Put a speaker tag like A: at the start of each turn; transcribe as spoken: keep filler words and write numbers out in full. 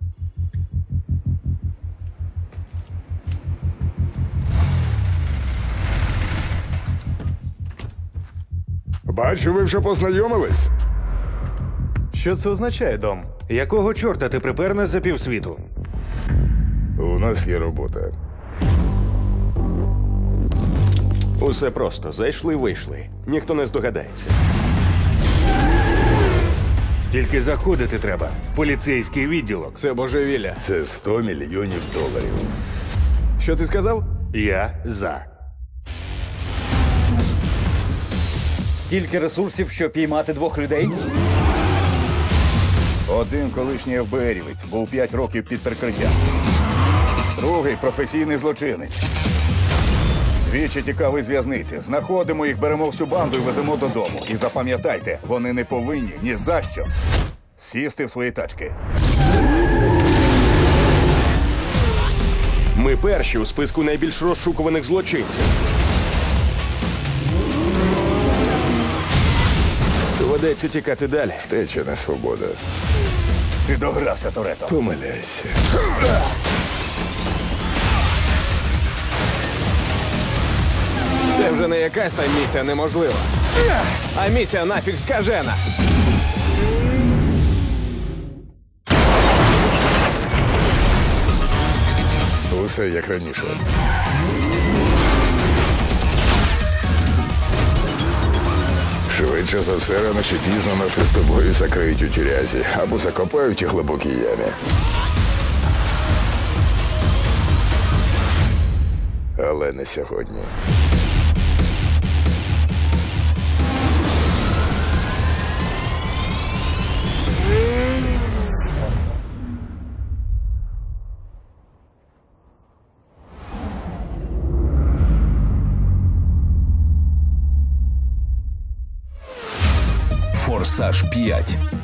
A: Бачу, ви вже познайомились?
B: Що це означає, Дом?
C: Якого чорта ти припер нас за півсвіту?
A: У нас є робота.
D: Усе просто. Зайшли-вийшли. Ніхто не здогадається.
C: Тільки заходити треба в поліцейський відділок.
B: Це божевілля.
A: Це сто мільйонів доларів.
B: Що ти сказав?
C: Я за.
E: Стільки ресурсів, щоб піймати двох людей?
F: Один колишній еф бе ерівець був п'ять років під прикриттям. Другий професійний злочинець. Двічі тікали з в'язниці. Знаходимо їх, беремо всю банду і веземо додому. І запам'ятайте, вони не повинні ні за що сісти в свої тачки.
D: Ми перші у списку найбільш розшукуваних злочинців. Доведеться тікати далі.
A: Тече не свобода.
F: Ти догрався, Торетто.
A: Помиляйся.
B: Це вже не якась там місія неможлива. А місія нафіг скажена.
A: Усе як раніше. Швидше за все, рано чи пізно нас із тобою закриють у тюрязі або закопають у глибокій ямі. Але не сьогодні.
G: Форсаж п'ять.